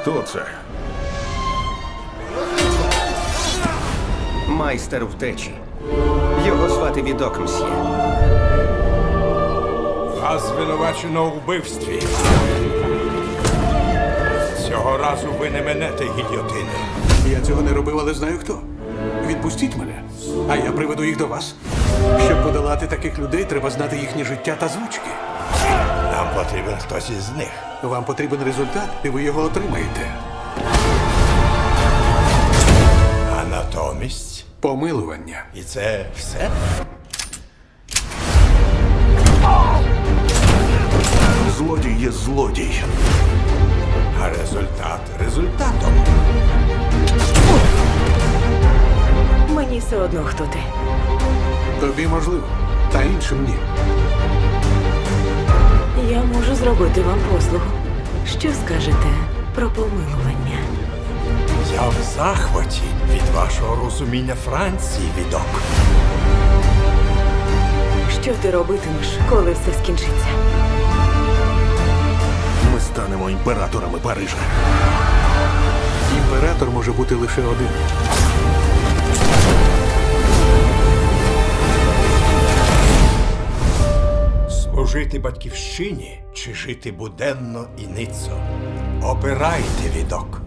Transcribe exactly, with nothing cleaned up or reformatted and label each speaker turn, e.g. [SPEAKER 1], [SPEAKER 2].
[SPEAKER 1] Хто це?
[SPEAKER 2] Майстер втечі. Його звати Відок, мсьє.
[SPEAKER 3] Вас звинувачено у вбивстві. Цього разу ви не минете гільйотини.
[SPEAKER 4] Я цього не робив, але знаю хто. Відпустіть мене, а я приведу їх до вас. Щоб подолати таких людей, треба знати їхнє життя та звички.
[SPEAKER 3] Нам потрібен хтось із них.
[SPEAKER 4] Вам потрібен результат, і ви його отримаєте.
[SPEAKER 3] А натомість.
[SPEAKER 4] Помилування.
[SPEAKER 3] І це все?
[SPEAKER 1] Злодій є злодій.
[SPEAKER 3] А результат результатом.
[SPEAKER 5] Мені все одно, хто ти.
[SPEAKER 4] Тобі можливо, та іншим ні.
[SPEAKER 5] Я можу зробити вам послугу. Що скажете про помилування?
[SPEAKER 3] Я в захваті від вашого розуміння Франції, Відок.
[SPEAKER 5] Що ти робитимеш, коли все скінчиться?
[SPEAKER 1] Ми станемо імператорами Парижа.
[SPEAKER 4] Імператор може бути лише один.
[SPEAKER 3] Служити батьківщині чи жити буденно і ницо? Обирайте, Відок.